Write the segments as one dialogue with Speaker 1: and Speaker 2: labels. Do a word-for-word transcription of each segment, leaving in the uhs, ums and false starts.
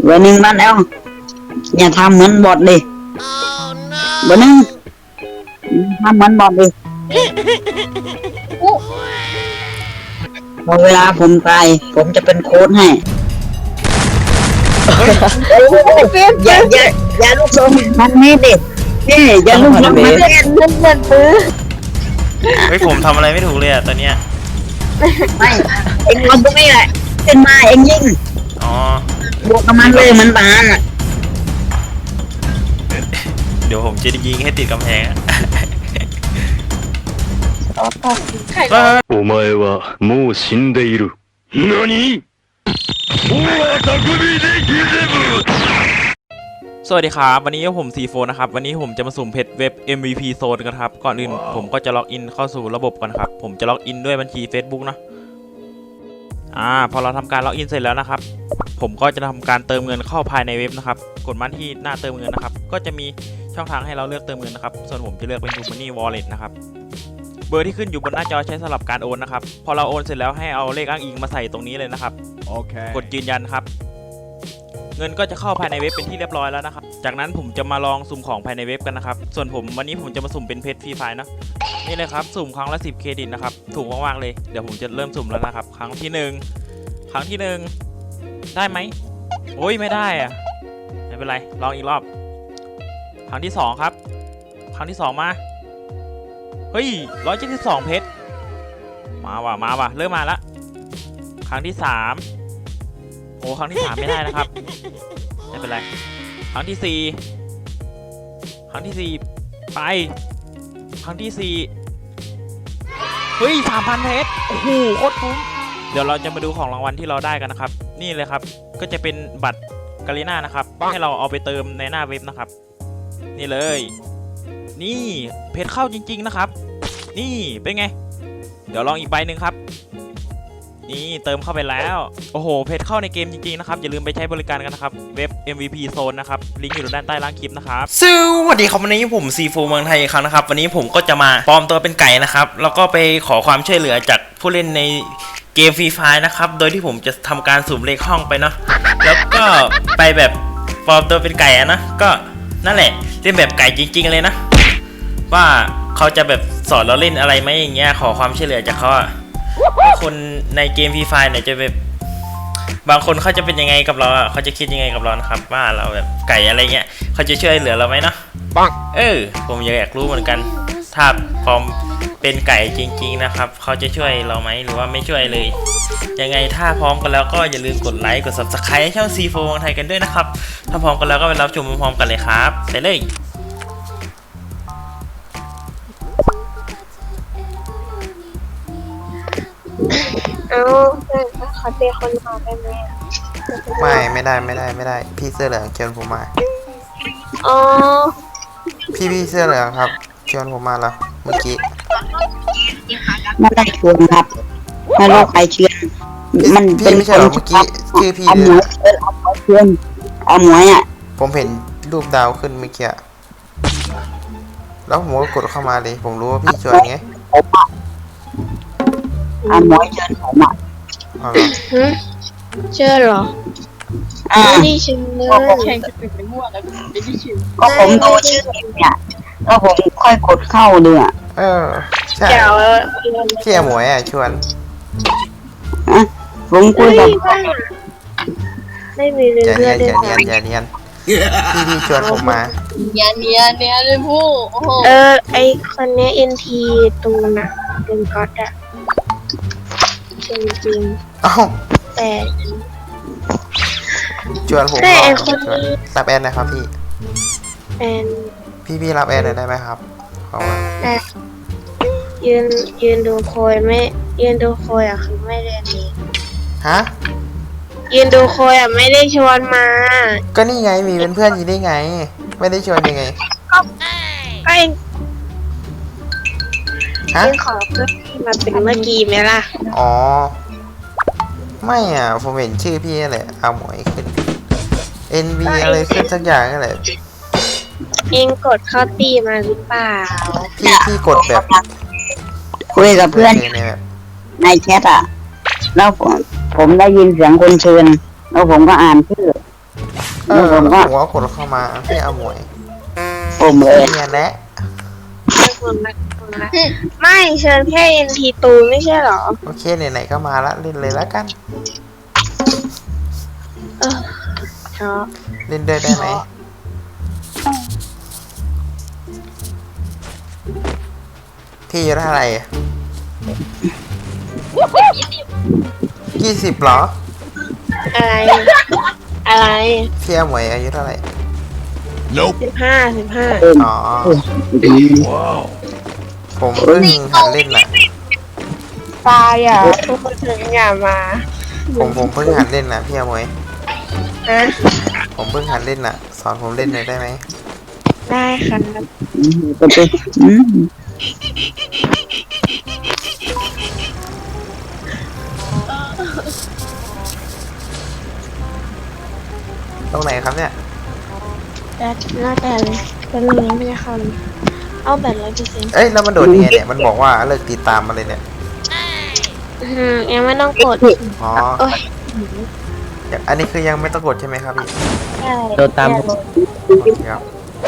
Speaker 1: เบอร์หนึ่งมาแล้วอย่าทำเหมือนบอทดิเบอร์หนึ่งทำเหมือนบอทดิพอเวลาผมตายผมจะเป็นโค้ดให้อย่าอย่าอย่าลูกทรงมันนี่ดินี่อย่าลูกทรงมันเล่นเล่นเล่นปื้อ
Speaker 2: เฮ้ยผมทำอะไรไม่ถูกเลยอ่ะตอนเนี้ย
Speaker 1: ไม่เอ็งเอาตรงนี้แหละขึ้นมาเอ็งยิง
Speaker 2: อ๋อบ
Speaker 1: วกกับมันเลยมันบานอ่ะ
Speaker 2: เดี๋ยวผมจะยิงให้ติดกำแพง
Speaker 3: お前はもう死んでいる。何？おは匠でギゼブ。
Speaker 2: สวัสดีครับวันนี้ผมซีโฟนะครับวันนี้ผมจะมาสุ่มเพชรเว็บ เอ็ม วี พี โซนกันครับก่อนอื่นผมก็จะล็อกอินเข้าสู่ระบบก่อนครับผมจะล็อกอินด้วยบัญชี Facebook นะอ่าพอเราทำการล็อกอินเสร็จแล้วนะครับผมก็จะทำการเติมเงินเข้าภายในเว็บนะครับกดมาที่หน้าเติมเงินนะครับก็จะมีช่องทางให้เราเลือกเติมเงินนะครับส่วนผมจะเลือกเป็น TrueMoney Wallet นะครับเบอร์ที่ขึ้นอยู่บนหน้าจอใช้สำหรับการโอนนะครับพอเราโอนเสร็จแล้วให้เอาเลขอ้างอิงมาใส่ตรงนี้เลยนะครับโอเคกดยืนยันครับเงินก็จะเข้าภายในเว็บเป็นที่เรียบร้อยแล้วนะครับจากนั้นผมจะมาลองสุ่มของภายในเว็บกันนะครับส่วนผมวันนี้ผมจะมาสุ่มเป็นเพชรฟรีไฟล์นะนี่เลยครับสุ่มครั้งละสิบเครดิตนะครับถูกมากๆเลยเดี๋ยวผมจะเริ่มสุ่มแล้วนะครับครั้งที่หนึ่งครั้งที่หนึ่งได้ไหมโอ้ยไม่ได้อะไม่เป็นไรลองอีกรอบครั้งที่สองครับครั้งที่สองมาเฮ้ยร้อยเจ็ดสิบสองเพชรมาว่ะมาว่ะเริ่มมาละครั้งที่สามโอ้ครั้งที่สามไม่ได้นะครับไม่เป็นไรครั้งที่สี่ครั้งที่สี่ไปครั้งที่สี่เฮ้ยสามพันเพชรโอ้โหโคตรคุ้มเดี๋ยวเราจะมาดูของรางวัลที่เราได้กันนะครับนี่เลยครับก็จะเป็นบัตรกาลิน่านะครับให้เราเอาไปเติมในหน้าเว็บนะครับนี่เลยนี่เพชรเข้าจริงๆนะครับนี่เป็นไงเดี๋ยวลองอีกใบหนึ่งครับนี่เติมเข้าไปแล้วโอ้โหเพชรเข้าในเกมจริงๆนะครับอย่าลืมไปใช้บริการกันนะครับเว็บ เอ็ม วี พี Zone นะครับลิงก์อยู่ด้านใต้ล่างคลิปนะครับสวัสดีครับวันนี้ผมซีโฟเมืองไทยอีกครั้งนะครับวันนี้ผมก็จะมาปลอมตัวเป็นไก่นะครับแล้วก็ไปขอความช่วยเหลือจากผู้เล่นในเกมฟรีไฟล์นะครับโดยที่ผมจะทำการสุ่มเลขห้องไปเนาะแล้วก็ไปแบบปลอมตัวเป็นไก่อะนะก็นั่นแหละเล่นแบบไก่จริงๆเลยนะว่าเขาจะแบบสอนเราเล่นอะไรไหมอย่างเงี้ยขอความช่วยเหลือจากเขาอะคนในเกมฟรีไฟล์เนี่ยจะแบบบางคนเขาจะเป็นยังไงกับเราเขาจะคิดยังไงกับเรานะครับว่าเราแบบไก่อะไรเงี้ยเขาจะช่วยเหลือเราไหมเนาะปังเออผมอยากรู้เหมือนกันถ้าพร้อมเป็นไก่จริงๆนะครับเขาจะช่วยเราไหมหรือว่าไม่ช่วยเลยยังไงถ้าพร้อมกันแล้วก็อย่าลืมกดไลค์กด ซับสไครบ์ ให้ช่อง ซี โฟ เมืองไทยกันด้วยนะครับถ้าพร้อมกันแล้วก็ไปรับชมพร้อมๆกันเลยครับไปเลย
Speaker 4: เอาขอเจอคนมาได้ไหม
Speaker 5: ไม่ไม่ได้ไม่ได้ไม่ได้พี่เสื้อเหลืองเชิญผมมา
Speaker 4: อ๋อ
Speaker 5: พี่พี่เสื้อเหลืองครับเชิญผมมาแล้วเมื่อกี้
Speaker 1: ไม่ได้ชวนครับไม่รู้ใครเชิญมันเป็น
Speaker 5: ไม่ใช่หรอเมื่อกี้ชื่อพี่
Speaker 1: เอาหมวยเอาหมวยเชิญเอาหมวยอ่ะ
Speaker 5: ผมเห็นรูปดาวขึ้นเมื่อกี้แล้วผมก็กดเข้ามาเลยผมรู้ว่าพี่ชวนไง
Speaker 1: เอาหมวยเชิญผมอ่ะ
Speaker 4: เชื่อหรอไม่ได้ชื่อเลยแข่งจะเป็นไปมั่วแล้วไม่ได้ชื่อ
Speaker 1: ก็ผมดูชื่อเนี่ยแล้วผมค่อยกดเข้าดูอ่ะ
Speaker 5: เออใช่พี่หมวยอ่ะชวน
Speaker 1: ผมคุยกับ
Speaker 4: ไม่มีเรื่อง
Speaker 5: อย่าเนียนอย่าเนียนพี่พี่ชวนผมมา
Speaker 4: อย่าเนียนเนียนเลยผู้เออไอคนนี้เอ็นทีตูนอะเป็นก๊อตอะจริงจริง
Speaker 5: อ้าว
Speaker 4: แต่
Speaker 5: ชวนผม
Speaker 4: แต่ไอคนนี้
Speaker 5: รับแอนนะครับพี่
Speaker 4: แอน
Speaker 5: พี่พี่รับแอนหน่อยได้ไหมครับขอว่า
Speaker 4: ได้ยืนยืนดูโคยไม่ยืนดูโคยอะคือไม่เรียนเอง
Speaker 5: ฮะ
Speaker 4: ยืนดูโคยอะไม่ได้ชวนมา
Speaker 5: ก็นี่ไงมีเป็นเพื่อนอยู่ได้ไงไม่ได้ชวนยังไง
Speaker 4: ก็ก็เองฮะขอเพื่อนมาเป็นเมื่อกี้ไหมล่ะ
Speaker 5: อ๋อไม่อ่ะผมเห็นชื่อพี่แหละเอาหมวยขึ้น เอ็น วี อะไรขึ้นสักอย่างนั่นแหละ
Speaker 4: เองกดเข้าตีมาหรือเปล่า
Speaker 5: พี่พี่กดแบบ
Speaker 1: คุยกับเพื่อนในแชทอ่ะแล้วผมผมได้ยินเสียงคนเชิญแล้วผมก็อ่านชื่อ
Speaker 5: เออผมว่ากดเข้ามาพี่อาหมวย
Speaker 1: ผมเลย
Speaker 5: เนี่ยแหละ
Speaker 4: ไม่เชิญแค่เอ็นทีตูนไม่ใช่เหรอ
Speaker 5: โอเคไหนๆก็มาละเล่นเลยแล้วกัน
Speaker 4: เออชอบ
Speaker 5: เล่นด้วยได้ไหมพี่อายุเท่าไหร่ยี่สิบเหรอ
Speaker 4: อะไร อะไร
Speaker 5: พี่อาหมวยอายุเท่าไหร่
Speaker 4: สิบห้าสิบห้า
Speaker 5: อ๋อผมเพิ่งหัดเล่นน่ะ
Speaker 4: ตายอ่ะทุกคนถึงอย่ามา
Speaker 5: ผมผมเพิ่งหัดเล่นน่ะพี่อาหมวย
Speaker 4: ฮะ
Speaker 5: ผมเพิ่งหัดเล่นน่ะ สอนผมเล่นหน่อยได้ไหม
Speaker 4: ได้ครับ
Speaker 1: ก็เป็นอืม
Speaker 5: ตรงไหนครับเนี่ย
Speaker 4: แต่หน้าแต่เลยเป็นเรื่องไม่ได้คำเอาแบบร้อยเปอร์เซ็นต์
Speaker 5: เอ้ยแล้วมันโดดยังไงเนี่ยมันบอกว่าเลิกติดตามมาเลยเนี่ย
Speaker 4: อืมยังไม่ต้องกด
Speaker 5: อ๋อ
Speaker 4: โอ้ย
Speaker 5: อันนี้คือยังไม่ต้องกดใช่ไหมครับพี่
Speaker 4: ใช่
Speaker 1: โดนตาม
Speaker 5: โอเคครับ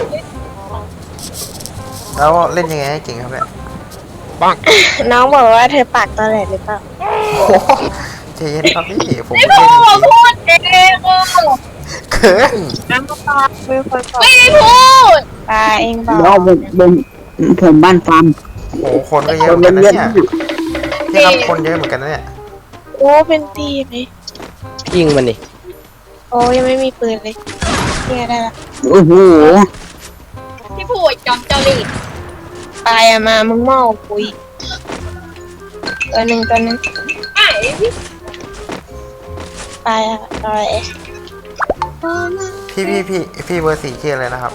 Speaker 5: แล้วเล่นยังไงให้เก่งครับเนี่ย
Speaker 4: น้องบอกว่าเธอปากตอแหลหรือเปล่า
Speaker 5: โอ้โหใจเย็นครับพี่ผมไม่ได้พูด
Speaker 4: พูดเอง
Speaker 5: เขิน
Speaker 4: น้ำปลาเป็นคนบอกไม่ได้พูดปลาเองบอก
Speaker 1: แล้วผมผมผมบ้านฟาร์ม
Speaker 5: โอ้โหคนก็เยอะเหมือนกันนะเนี่ยพี่ครับคนเยอะเหมือนกันนะเนี่ย
Speaker 4: โอ้เป็นตีไหม
Speaker 1: ยิงมันดิ
Speaker 4: โอ้ยังไม่มีปืนเลยเนี่ยได้ละ
Speaker 1: โอ้โห
Speaker 6: พี่ผู้จอมเจ้าลีด
Speaker 4: ปลาอะมามึงเมาปุยตัวหนึ่งตัวหนึ่ง
Speaker 6: ไอ้พี่
Speaker 4: ปลาอะอะไร
Speaker 5: พี่พี่พี่พี่เบอร์สี่ชื่ออะไรนะครับ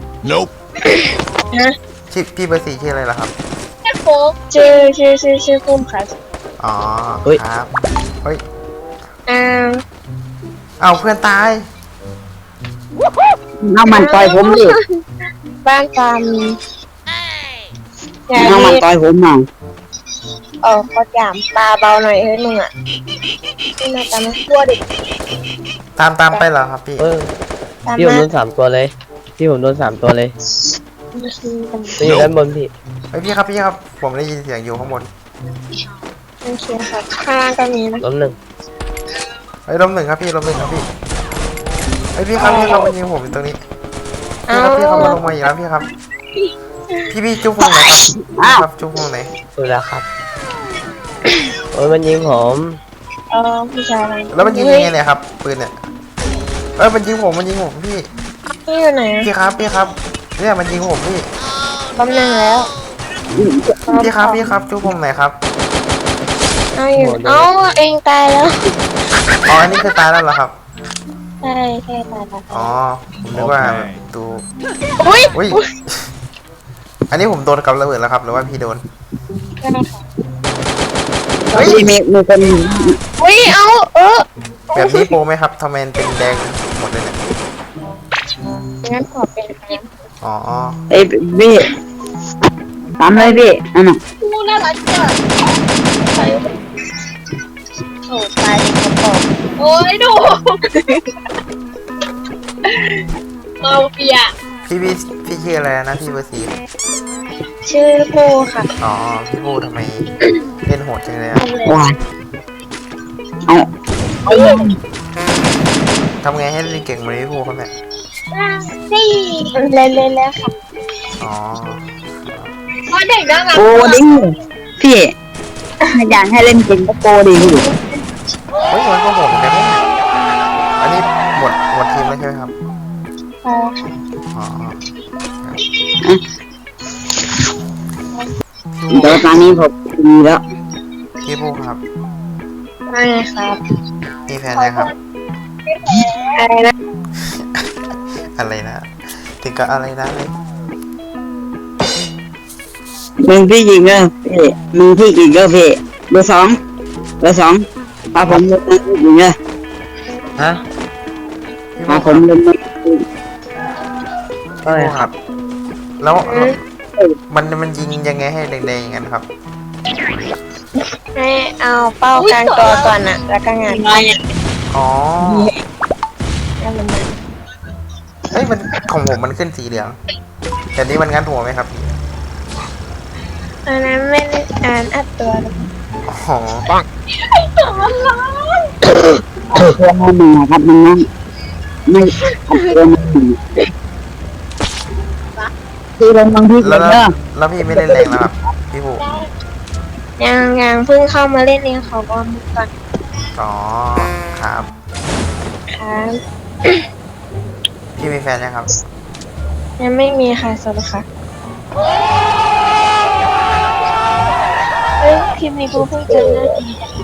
Speaker 4: ฮะ
Speaker 5: ชื่อพี่เบอร์สี่ชื่ออะไรล่ะครับ
Speaker 6: แค่โฟก
Speaker 4: ชื่อชื่อชื่อชื่อพุ่มค่ะ
Speaker 5: อ๋อครับเฮ้ย
Speaker 4: อ้าว
Speaker 5: เอาเพื่อนตาย
Speaker 1: น้ำมันต่อยผมดิ
Speaker 4: บ้านปลามีอย่า
Speaker 1: น้ำมัน
Speaker 4: รีบ
Speaker 1: ต่อยผมหน่อย
Speaker 4: เออขอจามปลาเบาหน่อยเฮ้ยมึงอ่ะนี่มาตามมาตัวดิ
Speaker 5: ตามตามไปเหรอครับพี่
Speaker 7: เออ
Speaker 4: ตาม
Speaker 7: พี่ผม
Speaker 4: มา
Speaker 7: โดนสามตัวเลย พี่ผมโดนสามตัวเลย
Speaker 4: มาชิมกัน
Speaker 7: มันอยู่ด้านบนพี่
Speaker 5: เฮ้ยพี่ครับพี่ครับผมได้ยินเสียงอยู่ข้างบน
Speaker 4: โอเคครับข้างล่างก็มีนะ
Speaker 7: ล้มหนึ่ง
Speaker 5: เฮ้ยลมหนึ่งครับพี่ลมหนึ่งครับพี่เฮ้ยพี่ครับพี่ครับมันยิงผมอยู่ตรงนี้พี่ครับพี่ครับมาลงมาอีกแล้วพี่ครับ พี่พี่จุ๊บวงไหนครับครับจุ๊บวงไหน
Speaker 7: ดูแล้วครับ โอ้ยมันยิงผม
Speaker 4: เออผู้ชายอะไร
Speaker 5: แล้วมันยิงยังไงเนี่ยครับปืนเนี่ยเอ้ยมันยิงผมมันยิงผมพี่
Speaker 4: นี่อยู่ไหนอะ
Speaker 5: พี่ครับพี่ครับเนี่ยมันยิงผมพี่
Speaker 4: บำนังแล้ว
Speaker 5: พี่ครับพี่ครับจุ๊บวงไหนครับ
Speaker 4: เอาอยู่เอาเองตายแล้ว
Speaker 5: อ๋ออันนี้คือตายแล้วเหรอครับ
Speaker 4: ใช่ใช่ตายแล้ว
Speaker 5: อ๋อผมนึกว่าดู
Speaker 4: อุ้ย
Speaker 5: อุ้ยอันนี้ผมโดนกับระเบิดแล้วครับหรือว่าพี่โดน เฮ้ย
Speaker 1: มีมีคน
Speaker 4: อุ้ยเอาเออ
Speaker 5: แบบนี้โปรไหมครับทำไมมันเป็นแดงหมดเลยเนี่ย
Speaker 4: งั้นขอเป็นครับ
Speaker 5: อ๋อ
Speaker 1: ไอ้พี่ตามเลยพี่นั่นน่ะ
Speaker 6: ผู้น่ารักจัง
Speaker 4: โอ้ตายเลยกระป๋อง
Speaker 6: โอ้ยดูมาเฟีย
Speaker 5: พี่พี่พี่ชื่ออะไรนะพี่เบอร์สี่
Speaker 4: ชื่อโบค่ะ
Speaker 5: อ๋อพี่บูทำไมเล่นโหดจังเลยอะ
Speaker 1: ว้ายเอาเอา
Speaker 5: ทำไงให้เล่นเก่งเหมือนพี่บูครับเนี่ย
Speaker 4: นี่เล่นเล่นแล้วค่ะ
Speaker 5: อ๋อ
Speaker 6: เพราะเด็กน่ารัก
Speaker 1: โปรดิพี่อยากให้เล่นเก่งก็โปรดิพี่
Speaker 5: เฮ้ยมันก็ผมแต่ไม่อันนี้หมดหมดทีมแล้วใช่ไหมครับ
Speaker 4: ใช่ค่ะ
Speaker 5: อ๋อ
Speaker 1: เดี๋ยวตอนนี้ผมมีแล้ว
Speaker 5: พี่บูครับ
Speaker 4: ไม่ครับ
Speaker 5: มีแฟนยังครับ
Speaker 4: อะไรนะ
Speaker 5: อะไรนะถึงกับอะไรนะเลย
Speaker 1: มึงพี่ยิงก็พี่มึงพี่ยิงก็พี่เบอร์สองเบอร์สองพาผมเล่นพี่ยิงก็
Speaker 7: ฮะ
Speaker 5: พี่
Speaker 1: พา
Speaker 5: บู
Speaker 1: ผมเล่น
Speaker 7: ก็
Speaker 5: พี่
Speaker 7: เลย
Speaker 5: บู
Speaker 7: ค
Speaker 5: ค
Speaker 7: รั
Speaker 5: รับ บ แล้วมันมันยิงยังไงให้แดงๆอย่างนั้นครับ
Speaker 4: ให้เอาเป้ากลางตัวก่อนอะแล้วก็งาน
Speaker 5: อ๋อ
Speaker 4: แล้วมันมา
Speaker 5: เอ้ยมันของผมมันขึ้นสีเหลืองแต่นี้มันงัดหัวไหมครับ
Speaker 4: อันนั้นไม่ได้อ่านอัดตัวหรอก
Speaker 5: อ๋อปัง
Speaker 1: ตัวมันหนึ่งครับมันนั่นไม่ตัวมันหนึ่งคือลงบางที่
Speaker 5: แล้
Speaker 1: เกิ
Speaker 5: ว
Speaker 1: ด
Speaker 5: แล้ว
Speaker 1: เนอะ
Speaker 5: แล้วพี่ไม่เล่นแรงแล้วครับพี่ผู้
Speaker 4: ยังยังเพิ่งเข้ามาเล่นเองขอบอกมือก่อน
Speaker 5: อ๋อครับ
Speaker 4: ครับ
Speaker 5: พี่มีแฟนยังครับ
Speaker 4: ยังไม่มีค่ะสวัสดีค่ะเฮ้ยคลิปนี้กูเพิ่งเจอหน้าดีจ้ะ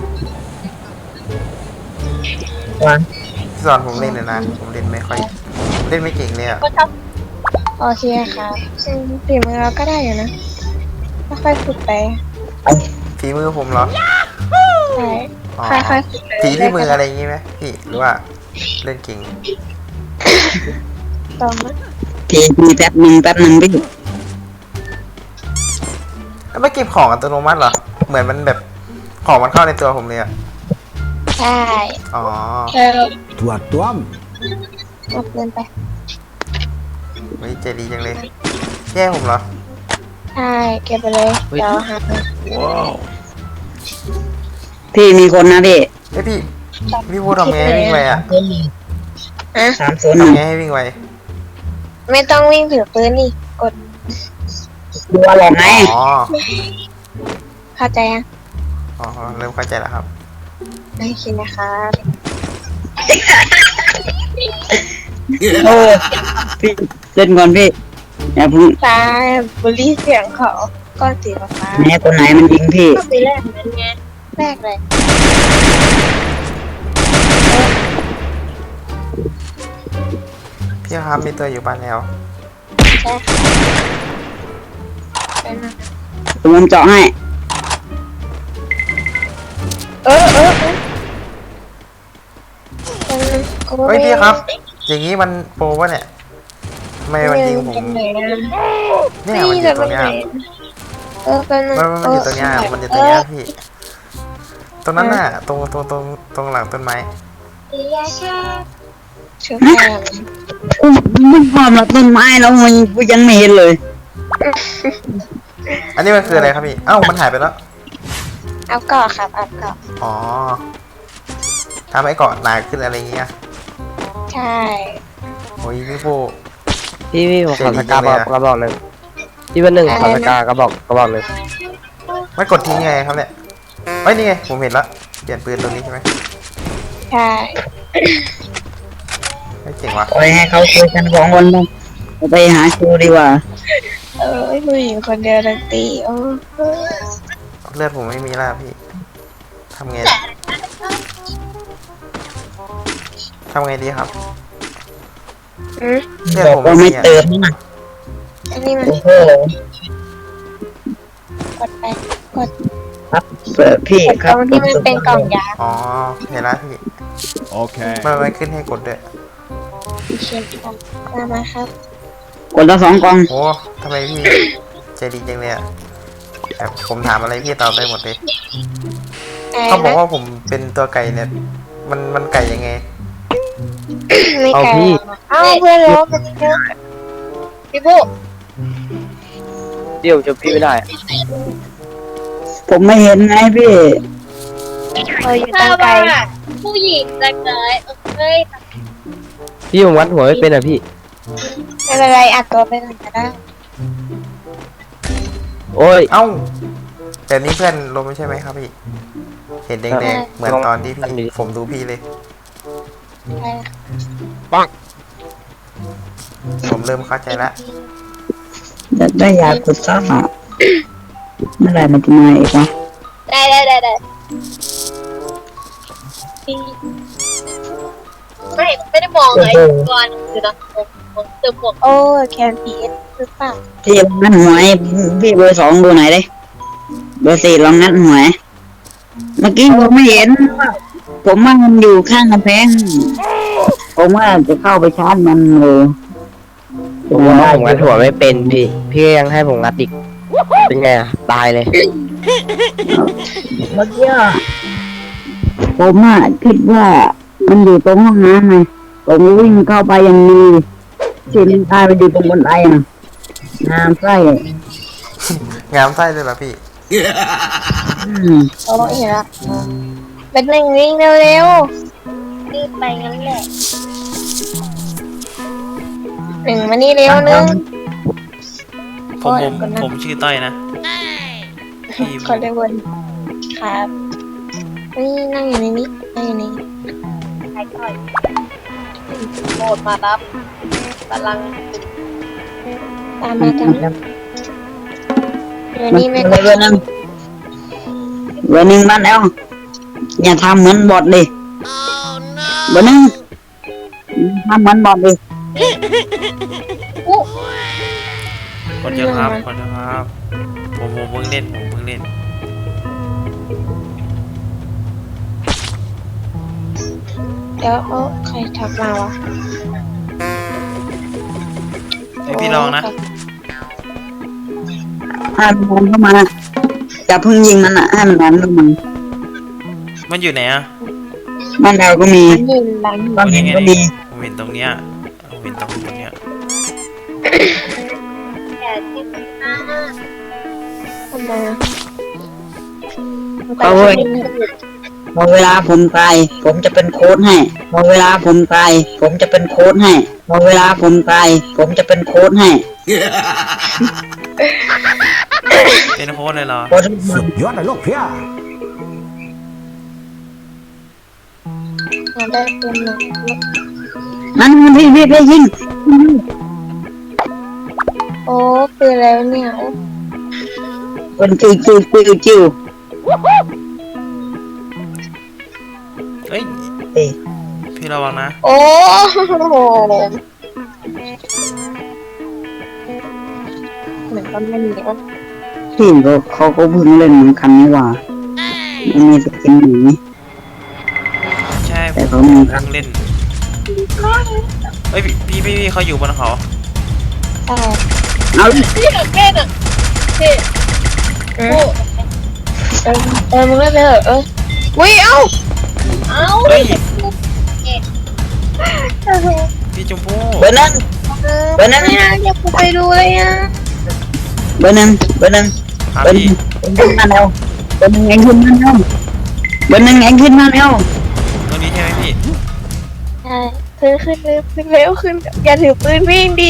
Speaker 5: พี่สอนผมเล่นเลยนะผมเล่นไม่ค่อยเล่นไม่เก่งเลยอะ
Speaker 4: โอเคค่ะอืมฝีมือเราก็ได้อยู่นะค่อยๆฝึกไป
Speaker 5: ฝีมือผมเหรอ
Speaker 4: ใช่
Speaker 5: อ๋อ
Speaker 4: ค่อยๆฝึกไป
Speaker 5: ฝีที่มืออะไรอย่างงี้ไหมพี่หรือว่าเล่นเก่ง
Speaker 4: ต่อมา
Speaker 1: พี่มีแป๊บหนึ่งแป๊บหนึ่งพี่
Speaker 5: แล้วไม่เก็บของอัตโนมัติเหรอเหมือนมันแบบของมันเข้าในตัวผมเลยอะ
Speaker 4: ใช่
Speaker 5: อ๋อ
Speaker 4: เออ
Speaker 8: Tua tuam.
Speaker 4: เอาเงินไป
Speaker 5: เฮ้ยใจดีจังเลยแย่ผมเหรอ
Speaker 4: ใช่เก็บไปเลยเดี๋ยวหาเงิน
Speaker 1: พี่มีคนนะพี่
Speaker 5: เฮ้ยพี่พี่พูดทำไงให้วิ่งไวอะ
Speaker 4: อะ
Speaker 1: สามศูนย์หนึ่ง
Speaker 5: ทำไงให้วิ่งไว
Speaker 4: ไม่ต้องวิ่งถือปืนนี่กด
Speaker 1: ดูอารมณ์ไง
Speaker 5: อ๋อ
Speaker 4: เข้าใจยัง
Speaker 5: อ๋อเริ่มเข้าใจแล้วครับ
Speaker 4: ไม่คิดนะคะ
Speaker 1: โอ้พี่เล่นก่อนพี่อย่าเพิ่ง
Speaker 4: ตายบุรีเสียงเขาก้อนสีฟ้า
Speaker 1: แม่คนไหนมันยิงพี่
Speaker 4: ก็ปีแรกนั้นไงแรกเลย
Speaker 5: พี่ครับมีตัวอยู่บ้านแล้ว
Speaker 4: ใช่ค่ะเป็นนะ
Speaker 1: ผมเจาะให้
Speaker 4: เออเออเออเป็นนะกู
Speaker 5: เฮ้ยพี่ครับ อย่างนี้มันโปรวะเนี่ยทำไมมันยิงผม
Speaker 4: เป็นไหนนะ
Speaker 5: เนี่ยมันอยู่ตรงเนี้ย
Speaker 4: เออเป็น
Speaker 5: มันมันอยู่ตรงเนี้ยมันอยู่ตรงเนี้ยพี่ ตรงนั้นน่ะ ตรงตรงตรงตรงหลังต้นไม้
Speaker 4: ชื่อแม่
Speaker 1: กูมันความรักต้นไม้แล้วมันกูยังไม่เห็นเลย
Speaker 5: อันนี้มันคืออะไรครับพี่ เอ้ามันหายไปแล้ว
Speaker 4: เอาเกาะครับเอาเกาะ
Speaker 5: อ๋อทำให้เกาะหนาขึ้นอะไรเงี้ย
Speaker 4: ใช่
Speaker 5: โอ้ยพี่ปู
Speaker 7: พี่พี่ผมขอ
Speaker 5: เจ๋
Speaker 7: ส
Speaker 5: งจริ
Speaker 7: กาง
Speaker 5: เลย
Speaker 7: บอก
Speaker 5: อะ
Speaker 7: กระบอกหนึ่งพี่เป็นหนึ่งขอสกากระบอกกระบอกหนึ่ง
Speaker 5: ไม่กดทิ้งไงครับเนี่ยเฮ้ยนี่ไงผมเห็นละเปลี่ยนปืนตรงนี้ใช่ไหม
Speaker 4: ใช่
Speaker 5: ไม่เจ๋งว่ะ
Speaker 1: ปล่อยให้เขาคุยกันสองคนเลยไปหาชูดีกว่า
Speaker 4: เออผู้หญิงคนเดียวดนตรีโอ้
Speaker 5: เลือดผมไม่มีแล้วพี่ทำไงทำไงดีครับ
Speaker 4: อืม
Speaker 5: เลือด
Speaker 1: บอก
Speaker 5: ผม
Speaker 1: ว่า
Speaker 5: ไม่
Speaker 1: ไม่
Speaker 5: มีอะ
Speaker 1: เติมนะ
Speaker 4: อันนี้มัน
Speaker 1: โอ้โห
Speaker 4: กดไปกด
Speaker 1: ครับเปิดพี่
Speaker 4: กด
Speaker 1: ค
Speaker 4: ต
Speaker 1: รับ
Speaker 4: รงที่มันเป็นกล่องยา
Speaker 5: อ๋อเห็นแล้วพี่
Speaker 8: Okay.
Speaker 5: มันมันขึ้นให้กดด้วย
Speaker 4: เช็คค่ะมามาครับ
Speaker 1: กดละสองกล่อง
Speaker 5: โอ้ทำไมพี่ใจดีจังเลยอะแบบผมถามอะไรพี่ตอบได้หมดเลย เขาบอกว่าผมเป็นตัวไก่เนี่ย มันมันไก่ยังไง
Speaker 4: ไม่
Speaker 7: เอา
Speaker 4: ไกล
Speaker 7: พี่
Speaker 4: เอ้าเพื่อนเราเป็นเยอะพี่ปุ๊
Speaker 7: เดี๋ยวจะพี่ไม่ได้
Speaker 1: ผมไม่เห็นไงพี่
Speaker 4: เอออยู่
Speaker 6: ถ้า
Speaker 4: ตั้งไกล
Speaker 6: ว่าผู้หญิงจะเกิดเอ้ย
Speaker 7: พี่ผมวัดหัวไม่เป็นอ่ะพี่
Speaker 4: ไม่เป็นไรอัดตัวไปก่อนก็ได้
Speaker 7: โอ้ย
Speaker 5: เอ้าแต่นี้เพื่อนลมไม่ใช่ไหมครับพี่ เห็นแดงๆเหมือนตอนที่พี่ผมดูพี่เลย
Speaker 4: ใช่ค่ะ
Speaker 5: ผมเริ่มเข้าใจแล้ว
Speaker 1: อยากได้ยากุซ่าเมื่อไหร่มันจะมาอีกวะ
Speaker 6: ได้ได้ได้ได้ไม่ไม่ได้มองเลยก่อนคือตอนผมเติมหมวก
Speaker 4: โอ้แคนพีเอสหรือเปล่า
Speaker 1: ที่ลองนัดหวยพี่เบอร์สองดูไหนอยดิเบอร์สี่ลองนัดหวยเมื่อกี้ผมไม่เห็น ผมว่ามันอยู่ข้างกำแพงผมว่าจะเข้าไปชาร์จมันเลย
Speaker 7: ผมว่าผมงัดหัวไม่เป็นพี่ พี่ก็ยังให้ผมงัดอีก เป็นไงอ่ะ ตายเลย
Speaker 1: เมื่อกี้ผมอ่ะคิดว่ามันอยู่ตรงห้องน้ำไงผมวิ่งเข้าไปยังมีที่มันตายไปอยู่ตรงบนไอ้น่ะน้ำไส้
Speaker 5: งามไส้เลยเหรอพี่
Speaker 1: อืม
Speaker 4: โอ้ยเห็นละเป็นหนึ่งวิ่งเร็วๆรีบไปงั้นแหละหนึ่งมานี่เร็วหนึ่ง
Speaker 2: ผมผมผมชื่อต้อยนะพี่
Speaker 4: ขอเร็ววนครับนี่นั่งอยู่ในนี้นั่งอยู่ในนี้
Speaker 6: ใครต่อยโหมดมารับกำลัง
Speaker 4: ตามมาตามมาเดี๋ยว
Speaker 1: มัน
Speaker 4: นี้ไม่
Speaker 1: เบอร์หนึ่งเบอร์หนึ่งมันแล้วอย่าทำเหมือนบอทดิเบอร์หนึ่งทำเหมือนบอทดิ
Speaker 2: คนเยอะครับคนเยอะครับผมผมเพิ่งเล่นผมเพิ่งเล่น
Speaker 4: เดี๋ยวเอ้ใครทักมาวะ
Speaker 2: ให้พี่ลองนะ
Speaker 1: ให้มันเข้ามาอย่าเพิ่งยิงมันอ่ะให้มันนอนลงมัน
Speaker 2: มันอยู่ไหนอะ
Speaker 1: บ้านเราก็มี
Speaker 4: มันยืนหลัง
Speaker 1: บ้านเห็นก็ดี
Speaker 2: ผมเห็นตรงเนี้ยผมเห็นตรงตรงเนี้ย
Speaker 6: แก่ที่สุดนะ
Speaker 4: ทำไมอะ
Speaker 1: เอาเว้ยพอเวลาผมตายผมจะเป็นโค้ดให้พอเวลาผมตายผมจะเป็นโค้ดให้พอเวลาผมตายผมจะเป็นโค้ดให้
Speaker 2: เป็นโค้ดเลยเหรอ
Speaker 1: โค้ด
Speaker 8: สุดยอดเลยลูกเพีย
Speaker 4: เราได้เป็นหนัก
Speaker 1: นั่นมันพี่พี่พี่ยิง
Speaker 4: โอ้ปืนแล้วเนี่ยโอ้
Speaker 1: เป็นจิวจิวจิวจิว
Speaker 2: เอ้ย
Speaker 1: เอ้ย
Speaker 2: พี่ระวังนะ
Speaker 4: โอ้โหเหมือนก็ไม่มีโอ้
Speaker 1: พี่ก็เขาก็เพิ่งเล่นเหมือนกันนี่หว่ามันมีสกินหนี
Speaker 2: ใช่
Speaker 1: แต่
Speaker 2: ผม
Speaker 1: เขามี
Speaker 2: เพิ่งเล่นเอ้ยพี่พี่พี่เขาอยู่บนเขา
Speaker 4: ใช่
Speaker 1: เอา
Speaker 6: พี่กับแม่น่ะพี่
Speaker 4: เออเออเออมึงเล่นไปเถอะเออวิ่งเอ้า
Speaker 6: เอ้า
Speaker 2: เฮ้ยพี่ชมพู่
Speaker 1: เบอร์หนึ่งเบอร์หนึ่ง
Speaker 4: ไม่นะอยากไปดูเลยอ่ะ
Speaker 1: เบอร์หนึ่งเบอร์หนึ่ง
Speaker 2: ครับ
Speaker 1: เบอร์ห
Speaker 2: พี่
Speaker 1: นึ่งเอ็งขึ้นมาแล้วเบอร์หนึ่งเอ็งขึ้นมาแล้วเบอร์หนึ่งเอ็งขึ้นมาแล้ว
Speaker 2: ตรงนี้ใช่ไหมพี่
Speaker 4: ใช่ขึ้นขึ้นเร็วขึ้นเร็วขึ้นอย่าถือปืนวิ่งดี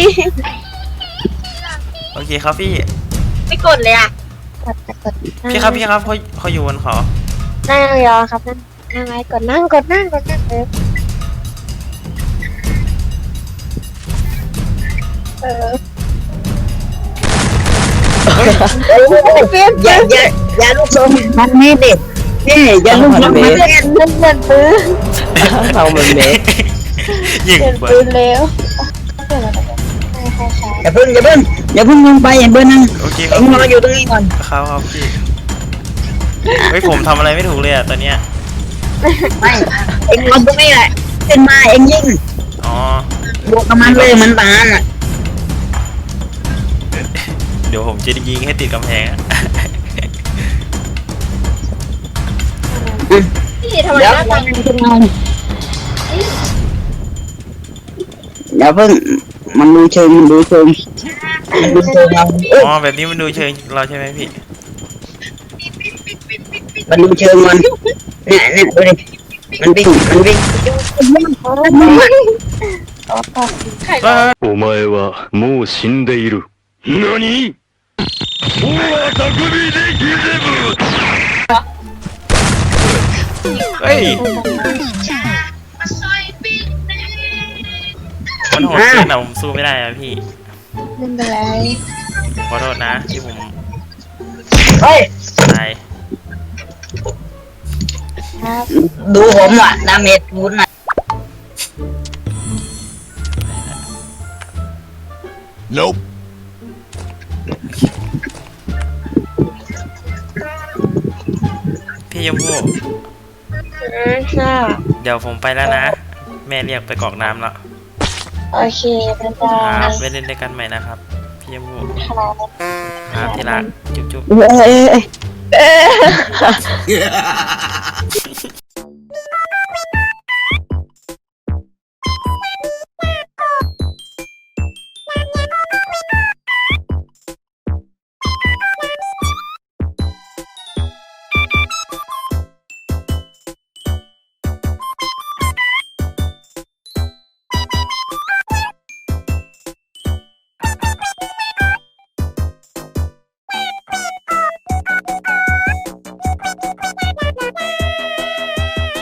Speaker 2: โอเคครับพี่
Speaker 6: ไม่กดเลยอ่ะ
Speaker 4: กดกด
Speaker 2: พี่ครับพี่ครับเขาเขาอยู่บนเขา
Speaker 4: นั่งยองครับนั่งนั่งไว้กดนั่งกดนั่งกดนั่งเออเออ
Speaker 1: เอ้ยอย่าอย่าอย่าลูกทรงมันไม่เด็ดนี่อย่าลูกทรงมันเด็ด
Speaker 4: เล่นเล่นปืน
Speaker 7: เรามันเมส
Speaker 2: ยิง
Speaker 4: เล่น
Speaker 2: เปิ
Speaker 4: ปื
Speaker 2: ด
Speaker 4: นเร็วเดี๋ยวเราไปใช่ใช่ใช่
Speaker 1: อย่าเพิ่งอย่าเพิ่งอย่าเพิ่งลงไปเบอร์หนึ่ง
Speaker 2: โอเคครั
Speaker 1: เอ็
Speaker 2: บ
Speaker 1: งรออยู่ตรงนี้ก่อน
Speaker 2: ครับครับพี่เฮ้ยผมทำอะไรไม่ถูกเลยอะตอนเนี้ย
Speaker 1: ไม่เอ็งรอตรงนี้แหละขึ้นมาเอ็งยิง
Speaker 2: อ๋อบ
Speaker 1: วกกับมันเลยเหมือนปานอ่ะ
Speaker 2: เดี๋ยวผมจะยิงให้ติดกำแพงอะ
Speaker 6: พี่ทำไม
Speaker 1: เดี๋ยว
Speaker 6: หน้า
Speaker 1: เดี๋
Speaker 6: ตา
Speaker 1: ยวขึ้นมาเดี๋ยวเพิ่งมันดูเชิงมันดูเชิงมันดูเชิงเราเอ้ย
Speaker 2: อ๋อแบบนี้มันดูเชิงเราใช่ไหมพี่
Speaker 1: มันดูเชิงมันเนี่ยเนี่ยดูดิมันวิ่งมันวิ่ง
Speaker 6: ไข่
Speaker 2: เอ้ย
Speaker 3: お前はもう死んでいる。何？大匠でギゼブ。
Speaker 2: เฮ้ยมันโหดเกินอะผมสู้ไม่ได้อะพี่
Speaker 4: เล่นไปเลย
Speaker 2: ขอโทษนะที่ผม
Speaker 1: เฮ้ย
Speaker 2: ตาย
Speaker 4: ครับ
Speaker 1: ดูผมว่ะดาเมจคูณน่ะ
Speaker 8: Nope
Speaker 2: พี่ยมพู่
Speaker 4: อืมน่า
Speaker 2: เดี๋ยวผมไปแล้วนะ แม่เรียกไปกรอกน้ำแล้ว
Speaker 4: โอเคบ๊ายบา
Speaker 2: ครั
Speaker 4: ย
Speaker 2: บไว้เล่นด้วยกันใหม่นะครับพี่ยมพู่
Speaker 4: ครับ
Speaker 2: ครับที่รักจุ๊บจุ๊บ
Speaker 1: เอ้ยเอ้ยเอ้ย
Speaker 4: เออ